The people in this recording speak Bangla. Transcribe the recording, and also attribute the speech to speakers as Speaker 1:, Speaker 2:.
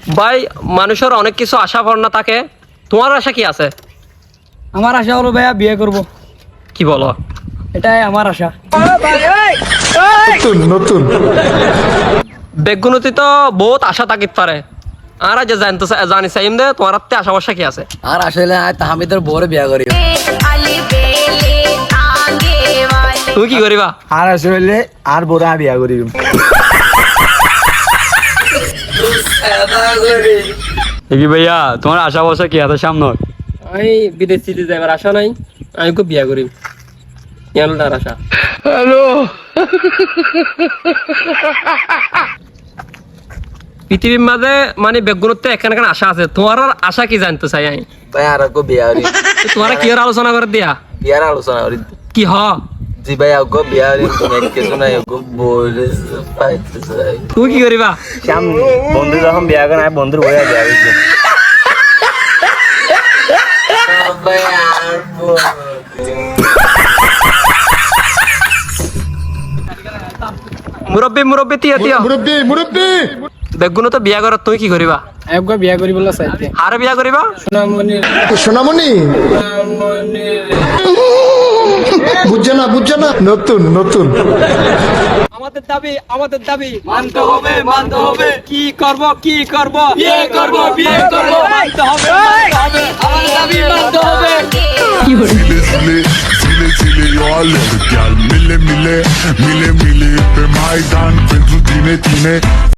Speaker 1: ভাই মানুষের অনেক কিছু আশা ভাবনা থাকে, তোমার আশা কি আছে?
Speaker 2: আমার আশা হলো ভাইয়া বিয়ে করব,
Speaker 1: কি বলো?
Speaker 2: এটাই আমার আশা।
Speaker 3: নতুন
Speaker 1: বেগুনতি তো বহুত আশা থাকিত পারে, আর যে জানি চাইম দে তোমার হাতে আশা বর্ষা কি আছে?
Speaker 2: আর আসলে তাহমিদের বড় বিয়ে করি।
Speaker 1: তুমি কি করিবা?
Speaker 3: আর আসলে আর বড় বিয়া করি।
Speaker 4: কি ভাইয়া তোমার আশা বসা কি আছে সামনে?
Speaker 1: আমি বিদেশিতে যাইবার আশা নাই, আমি খুব বিয়া করিম, ইয়ালটার আশা।
Speaker 4: হ্যালো,
Speaker 1: পৃথিবীর মাঝে মানে বেগুনতে এখানে এখানে আশা আছে, তোমার আশা কি জানতে চাই আমি?
Speaker 3: ভাই আর আগে বিয়া করি।
Speaker 1: তোমার কি আলোচনা করে দিয়া
Speaker 3: বিয়ার আলোচনা করি।
Speaker 1: কি হ?
Speaker 3: জি ভাই আগে বিয়া করি, তুমি কিছু নাই আগে বলে পাইতে চাই।
Speaker 1: তুমি কি করিবা?
Speaker 4: শ্যাম বন্ধু যখন বিয়া করে আমি বন্ধুর বইয়া বিয়া করছি।
Speaker 3: ভাই আর
Speaker 1: মুরব্বী মুরব্বী তিয়া তিয়া
Speaker 3: মুরব্বি
Speaker 1: বেগুন তো বিয়া করার তুমি কি করিবা?
Speaker 2: একবার বিয়ে করি বলে চাইতে।
Speaker 1: আর বিয়া করিবা?
Speaker 3: সোনামণি বুঝছে না নতুন
Speaker 1: আমাদের দাবি মানতে হবে কি করব বিয়ে করব মানতে হবে আমাদের দাবি মানতে হবে।
Speaker 5: Zile all Mille pe Maidan pentru tine